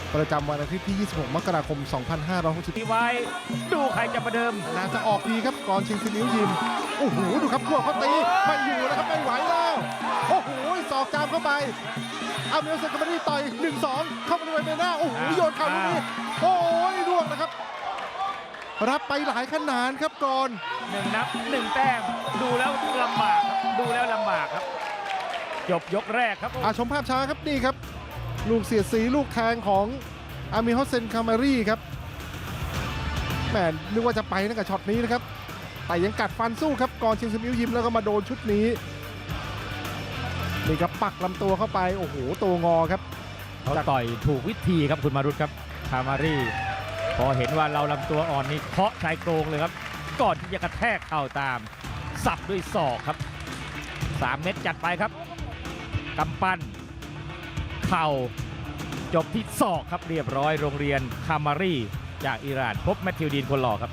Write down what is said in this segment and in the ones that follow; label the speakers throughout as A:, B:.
A: ประจำวันอาทิตย์ที่ 26 มกราคม 2560
B: ทีไว้ดูใครจะประเดิม
A: น่าจะออกดีครับก่อนชิงซินิ้วยิมโอ้โหดูครับพวกเขาตีไม่อยู่แล้วครับไม่ไหวแล้วโอ้โหศอกจามเข้าไปเอาเมลเซนกับบรีต่อย 1-2 เข้าไปในใบหน้าโอ้โหโยนเข่าลูกนี้โอ้ยร่วงนะครับรับไปหลายขนาดครับก่อน
B: 1 นับ 1 แต้มดูแล้วลำบากครับดูแล้วลำบากครับจบยกแรกครับ
A: ชมภาพช้าครับนี่ครับลูกเสียดสีลูกแทงของอามิฮอสเซนคามารีครับแหมนึกว่าจะไปตั้งแต่ช็อตนี้นะครับแต่ยังกัดฟันสู้ครับก่อนชิงซินิ้วยิมแล้วก็มาโดนชุดนี้นี่ครับปักลำตัวเข้าไปโอ้โหตัวงอครับ
B: เขาต่อยถูกวิธีครับคุณมารุตครับคามารีพอเห็นว่าเราลำตัวอ่อนนี่เคาะชายโครงเลยครับก่อนที่จะกระแทกเข่าตามสับด้วยศอกครับ3 เม็ดจัดไปครับกำปั้นเข่าจบที่ศอกครับเรียบร้อยโรงเรียนคามารีจากอิหร่านพบแมทธิวดีนคนหล่อครับ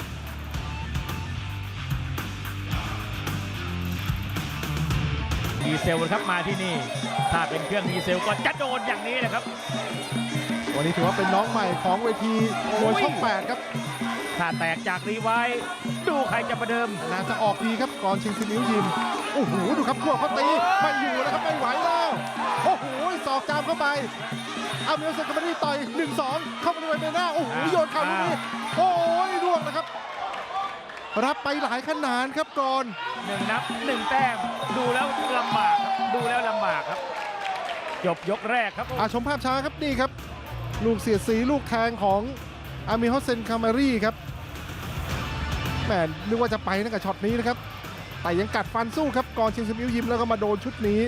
B: ดีเซลครับมาที่นี่ถ้าเป็นเครื่องดีเซลก็จะโดนอย่างนี้แหละครับ
A: วันนี้ถือว่าเป็นน้องใหม่ของเวทีมวยช่อง 8 ครับ
B: ถ้าแตกจากรีไว้ดูใครจะประเดิม
A: น่าจะออกดีครับก่อนชิงซินิ้วยิมโอ้โหดูครับพวกเขาตีไม่อยู่แล้วครับไม่ไหวแล้วโอ้โหศอกจามเข้าไปเอาเมลเซนกับบรีต่อย 1-2 เข้าไปในใบหน้าโอ้โหโยนเข่าลูกนี้โอ้ยร่วงนะครับรับไปหลายขนาดครับก่อน
B: 1 นับ 1 แต้มดูแล้วลำบากครับดูแล้วลำบากครับจบยกแรกครับ
A: ชมภาพช้าครับนี่ครับลูกเสียดสีลูกแทงของอามิฮอสเซนคามารีครับแหมนึกว่าจะไปตั้งแต่ช็อตนี้นะครับแต่ยังกัดฟันสู้ครับก่อนชิงซินิ้วยิมแล้วก็มาโดนชุดนี้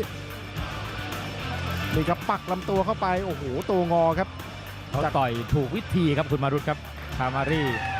A: นี่ครับปักลำตัวเข้าไปโอ้โหตัวงอครับ
B: เขาต่อยถูกวิธีครับคุณมารุตครับคามารี